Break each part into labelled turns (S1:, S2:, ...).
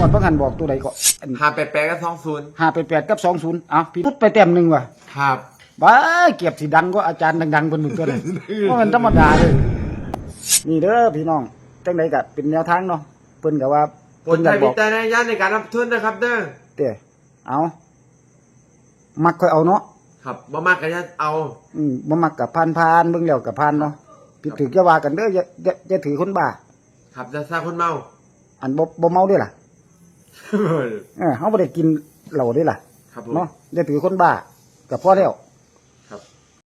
S1: วดบางหันบอกตัวใดก็
S2: 588กับ20
S1: 588กับ20อ้าวพี่พุดไปแต้มหนึงว่ะ
S2: ครับ
S1: บ้าเก็บสิดังก็อาจารย์ดังๆเพิ่นมึงตัวนั้นบ่มันธรรมดาเลยนี่เด้อพี่น้องจังได๋ก็เป็นแนวทางเนาะเพิ่นก็ว่า
S2: ผลใช้วิจารณญาณในการรับทุนนะครับเด้อ
S1: เด้เอามักค่อยเอาเนาะ
S2: ครับบ่มากก็จะเอา
S1: บ่มักก็ผ่านๆเบิ่งแล้วก็ผ่านเนาะผิดถูกอย่าว่ากันเด้ออย่าถือคนบ้า
S2: ครับจะสร้างคนเมา
S1: อันบ่เมาด้วยล่ะเฮาบ่ได้กินเหล้าด้วยล่ะ
S2: ครับ
S1: เนาะอย่าถือคนบ้าก็พอแล้ว
S2: ครับ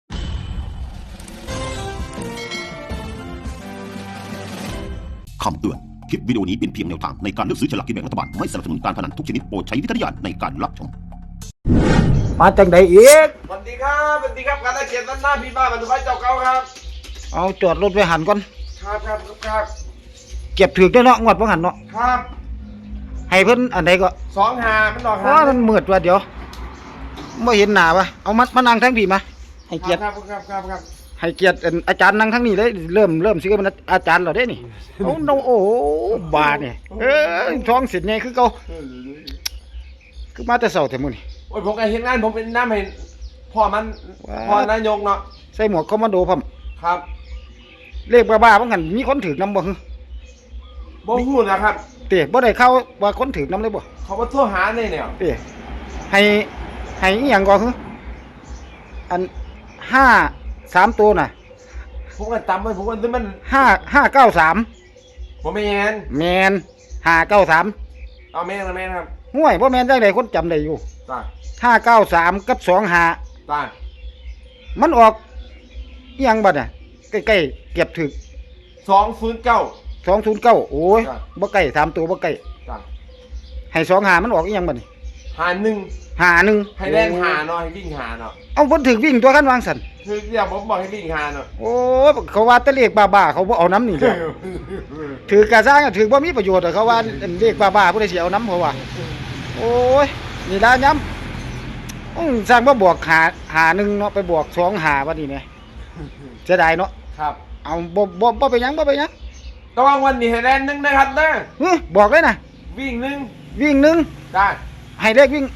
S3: คำเตือนคลิปวิดีโอนี้เป็นเพียงแนวทางในการเลือกซื้อฉลากกินแบ่งรัฐบาลไม่สนับสนุนการพนันทุกชนิดโปรดใช้วิจารณญาณในการรับชม
S1: มาจังไดอีก
S2: สวัสดีครับการตะเกียบหน้าพี่บ้านบรรทุกเจ้าเก่าครับ
S1: เอาจอดรถไว้หันก่อน
S2: ครับ
S1: เก็บถือได้เนาะงวดบ่หันเนาะ
S2: ครับ
S1: ให้เพิ่นอันใดก็
S2: 25มันดอก
S1: 5มันมืดว่ะเดี๋ยวบ่เห็นหน้าป่ะเอามานั่งทางพี่มาให้เกียรติ
S2: ครับ
S1: ให้เกียรติอาจารย์นั่งทางนี้เลยเริ่มสิเป็นอาจารย์แล้วเด้นี่โอ้โหบาดนี่ท้องสิทธิ์ไงคือเก่าคือมาแต่เช้าแต่มื้อนี่
S2: โอ้ยผมก็เฮ็ดงานผมเป็นน้ำให้พ่อนายกเนาะ
S1: ใส่หมวกคอมมานโดพร้อม
S2: ครับ
S1: เลขบ้าๆบ่งั้นมีคนถูกนำบ่ฮึ
S2: บ่ฮู้นะครับ
S1: เต้บ่ได้เข้าว่าคนถูกนำเลยบ่
S2: เขาบ่โทรหาแน่เนี่ย
S1: เต้ให้อีหยังก่อฮึอัน5 3ตัวน่ะ
S2: ผมก็จำไว้ผมว่ามัน
S1: 593
S2: บ่แม่น
S1: 593
S2: เอาแม่นครับ
S1: ห่วยบ่แม่นจังได๋คนจำได้อยู่
S2: จ้า
S1: 593กับ25
S2: จ้า
S1: มันออกอีหยังบัดน่ะใกล้ๆเก็บถึก209โอ้ยบ่ใกล้3ตัวบ่ใกล้
S2: จ้า
S1: ให้25มันออกอีหยังบัดนี่51
S2: ให้แล่นหาเนาะให้วิ่งหาเนาะ
S1: เอาเพิ่นถึกวิ่งตัวกันวางซั่น
S2: คือเดี๋ยวผมบอกให้วิ่งหาเนาะ
S1: โอ้เขาว่าแต่เลขบ้าๆเขาบ่เอาน้ำนี่แหละถือกะซ่างถือบ่มีประโยชน์เขาว่าเลขบ้าๆผู้ใดสิเอาน้ำเขาว่าโอ้ยนี่ล่ะย้ำสร้างบ่บวกหา1เนาะไปบวก2หาบัดนี้แหมเสียดายเนาะ
S2: ครับ
S1: เอาบ่ไปหยัง
S2: ระวังวันนี้ให้แล่น1นะครับเด้อ
S1: บอกเลยนะ
S2: วิ่ง
S1: 1
S2: ได้
S1: ให้เลขวิ่ง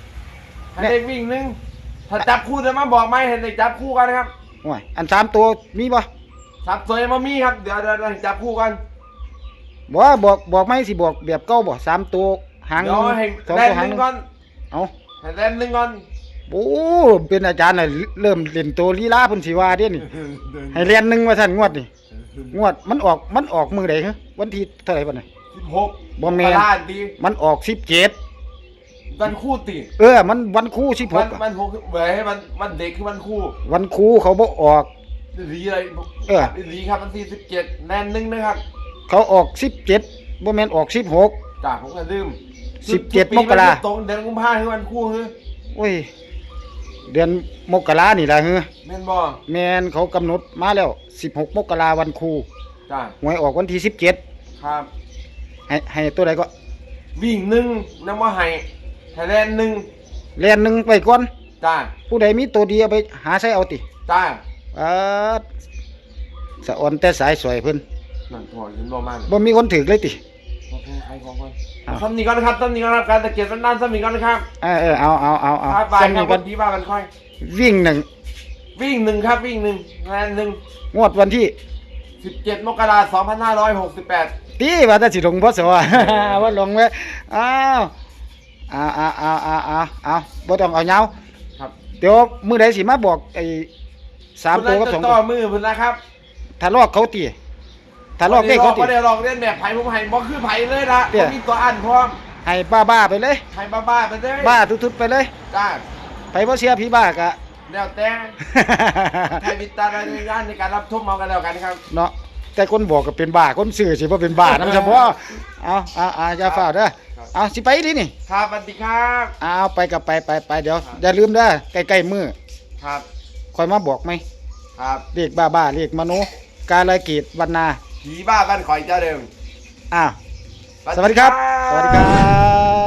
S2: 1ถ้าจับคู่จะมาบอกไหมเห็นได้จับคู่กันนะครับ
S1: โอ้ยอัน3ตัวมีบ่
S2: 3ตัวยังบ่มีครับเดี๋ยวจับคู่กัน
S1: บ่บอกไหมสิบอกแบบเก่าบ่3ตัวหาง2ตัวหาง
S2: ก่อน
S1: เอา
S2: ให้แล่น1ก่อน
S1: โอ้เป็นอาจารย์น่ะเริ่มเล่นตัวลีลาเพิ่นสิว่าเด้นี่ให้เรียน1ว่าซั่นงวดนี่งวดมันออกมื้อใดฮะวันที่เท่าไหร่บัดนี้
S2: 16
S1: บ่แม่นมันออก17
S2: วันคู่ติ
S1: มันวันคู่16
S2: มัน6เว้ยมันเด็กคือวัน
S1: คู่เขาบ่ออก
S2: ดีเลยดีครับวันที่17แล่น1นะครับ
S1: เขาออก17บ่แม่นออก16
S2: จ้าผมก็ลืม
S1: 17มกรา
S2: ตรงเดือนกุมภาพันธ์คือวันคู่คือ
S1: โอ้ยเดือนมกรานี่ล่ะฮือ
S2: แม่นบ่
S1: แม่นเขากำหนดมาแล้ว16มกราวันคู่
S2: จ้า
S1: หวยออกวันที่17
S2: ครับ
S1: ให้ตัวใดก็
S2: วิ่ง1นำว่าให้แล่น
S1: 1ไปก่อน
S2: จ้า
S1: ผู้ใดมีตัวดีเอาไปหาใช้เอาติ
S2: จ้า
S1: สะอ่อนแต่สายสวยเพิ่น
S2: นั่นพอเห็นบ่มา
S1: บ่มีคนถึกเลยติ
S2: บ่แพ้ใครของก่อนทำนี่ก่อนนะครับการตะเกียบด้านๆซ้ำนี่ก่อนนะครับ
S1: เอา
S2: ซ้ำนี่ก่อนพี่ว่ากันค่อย
S1: วิ่ง1
S2: ครับวิ่ง1แล่น1
S1: งวดวันที่
S2: 17มกราคม2568
S1: ตีว่าแต่สิลงพศว่าลงไว้อ้าวบ่ต้องเอายาว
S2: ครับ
S1: เดี๋ยวมื้อใดสิมาบอกไอ้3ตัวกับ2ตัว
S2: ต่อมือเพิ่นนะครับ
S1: ถ้าลอกเขาตีถ้าลอกเลขเขาตี
S2: บ่ได้ลอกเล่นแบบไผผมให้บ่คือไผเลยนะบ่มีตัวอันพร้อม
S1: ให้บ้าไปเลย
S2: ให้บ้าไปเลย
S1: บ้าทุดๆไปเลย
S2: จ้า
S1: ไผบ่เชื่อผีบ้าก็
S2: แล้วแต่ให้วิจารณญาณในการรับชมเอากันแล้วกันครับ
S1: เนาะแต่คนบอกก็เป็นบ้าคนซื่อสิบ่เป็นบ้านำเฉพาะเอาอย่าฟ้าวเด้อสิไปดินี่
S2: ครับสวัสดีครับ
S1: ไปกับไปเดี๋ยวอย่าลืมเด้อใกล้ๆมื้อ
S2: ครับ
S1: ค่อยมาบอกมั้ย
S2: ครับ
S1: เลขบ้าเลขมโนกาลเกตวรรณา
S2: ผีบ้าบ้านข่อยเจ้าเดิม
S1: สวัสดีครับ